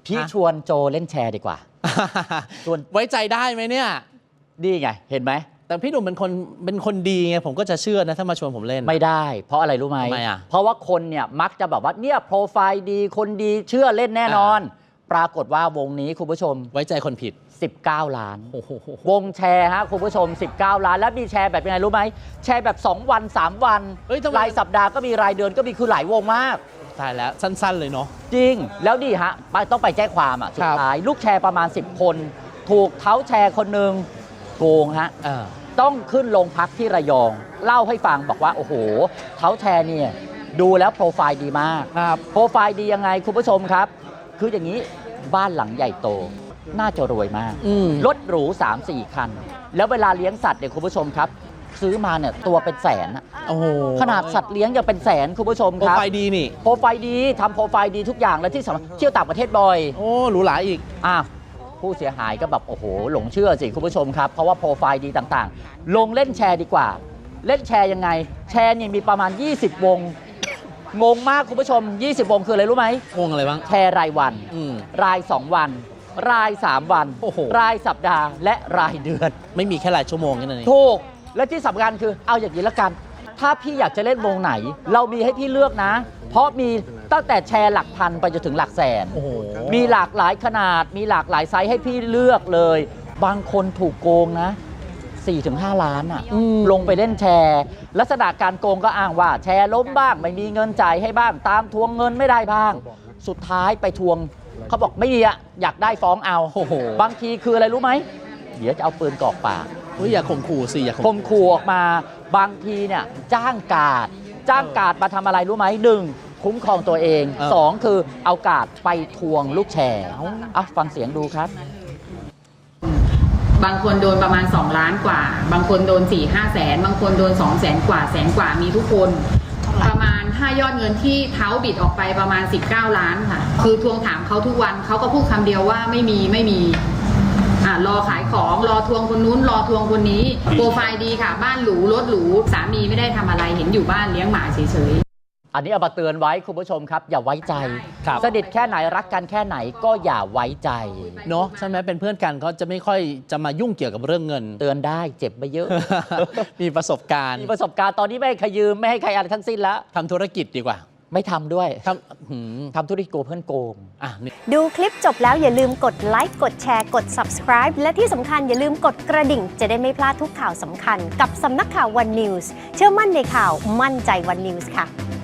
พี่ชวนโจเล่นแชร์ดีกว่าชวนไว้ใจได้ไหมเนี่ยดีไงเห็นไหมแต่พี่หนุ่มเป็นคนดีไงผมก็จะเชื่อนะถ้ามาชวนผมเล่นไม่ได้เพราะอะไรรู้ไหมทำไมอ่ะเพราะว่าคนเนี่ยมักจะแบบว่าเนี่ยโปรไฟล์ดีคนดีเชื่อเล่นแน่นอน ปรากฏว่าวงนี้คุณผู้ชมไว้ใจคนผิด 19 ล้านวงแชร์ฮะคุณผู้ชม19 ล้านแล้วมีแชร์แบบยังไงรู้ไหมแชร์แบบ2 วัน 3 วันรายสัปดาห์ก็มีรายเดือนก็มีคือหลายวงมากตายแล้วสั้นๆเลยเนาะจริงแล้วดีฮะต้องไปแจ้งความอ่ะสุดท้ายลูกแชร์ประมาณ10 คนถูกเท้าแชร์คนหนึ่งโกงฮะต้องขึ้นโรงพักที่ระยองเล่าให้ฟังบอกว่าโอ้โหเท้าแชร์เนี่ยดูแล้วโปรไฟล์ดีมากโปรไฟล์ดียังไงคุณผู้ชมครับคืออย่างนี้บ้านหลังใหญ่โตน่าจะรวยมากรถหรู 3-4 คันแล้วเวลาเลี้ยงสัตว์เนี่ยคุณผู้ชมครับซื้อมาเนี่ยตัวเป็นแสนขนาดสัตว์เลี้ยงยังเป็นแสนคุณผู้ชมครับโปรไฟล์ดีนี่โปรไฟล์ดีทำโปรไฟล์ดีทุกอย่างและที่สำคัญเที่ยวต่างประเทศบ่อยโอ้หรูหราอีกผู้เสียหายก็แบบโอ้โหหลงเชื่อสิคุณผู้ชมครับเพราะว่าโปรไฟล์ดีต่างๆลงเล่นแชร์ดีกว่าเล่นแชร์ยังไงแชร์เนี่ยมีประมาณ20 วงงงมากคุณผู้ชม20 วงคืออะไรรู้ไหมวงอะไรบ้างแชร์รายวันราย2 วันราย3 วันรายสัปดาห์และรายเดือนไม่มีแค่รายชั่วโมงแค่นั้นเองถูกและที่สำคัญคือเอาอย่างนี้ละกันถ้าพี่อยากจะเล่นวงไหนเรามีให้พี่เลือกนะเพราะมีตั้งแต่แชร์หลักพันไปจนถึงหลักแสนมีหลากหลายขนาดมีหลากหลายไซส์ให้พี่เลือกเลยบางคนถูกโกงนะ 4-5 ล้านลงไปเล่นแชร์ลักษณะการโกงก็อ้างว่าแชร์ล้มบ้างไม่มีเงินจ่ายให้บ้างตามทวงเงินไม่ได้บ้างสุดท้ายไปทวงเขาบอกไม่ดีอะอยากได้ฟ้องเอาบางทีคืออะไรรู้ไหมเดี๋ยวจะเอาปืนกรอกปากอย่าข่มขู่สิอย่าข่มขู่ออกมาบางทีเนี่ยจ้างการ์ดมาทำอะไรรู้ไหม1คุ้มครองตัวเอง2คือเอาการ์ดไปทวงลูกแชร์ฟังเสียงดูครับบางคนโดนประมาณ2 ล้านกว่าบางคนโดน 4-5 แสนบางคนโดน200,000 กว่าแสนกว่ามีทุกคนประมาณ5 ยอดเงินที่เท้าบิดออกไปประมาณ19 ล้านค่ะคือทวงถามเขาทุกวันเขาก็พูดคำเดียวว่าไม่มีรอขายของรอทวงคนนู้นรอทวงคนนี้โปรไฟล์ดีค่ะบ้านหรูรถหรูสามีไม่ได้ทำอะไรเห็นอยู่บ้านเลี้ยงหมาเฉยๆอันนี้เอามาเตือนไว้คุณผู้ชมครับอย่าไว้ใจสนิทแค่ไหนรักกันแค่ไหนก็อย่าไว้ใจเนาะใช่ไหมเป็นเพื่อนกันเขาจะไม่ค่อยจะมายุ่งเกี่ยวกับเรื่องเงินเตือนได้เจ็บไปเยอะมีประสบการณ์ตอนนี้ไม่ให้ใครยืมไม่ให้ใครอะไรทั้งสิ้นแล้วทำธุรกิจดีกว่าไม่ทำด้วยทำธุรกิจโกเพื่อนโกงดูคลิปจบแล้วอย่าลืมกดไลค์กดแชร์กด Subscribe และที่สำคัญอย่าลืมกดกระดิ่งจะได้ไม่พลาดทุกข่าวสำคัญกับสำนักข่าว One News เชื่อมั่นในข่าวมั่นใจ One News ค่ะ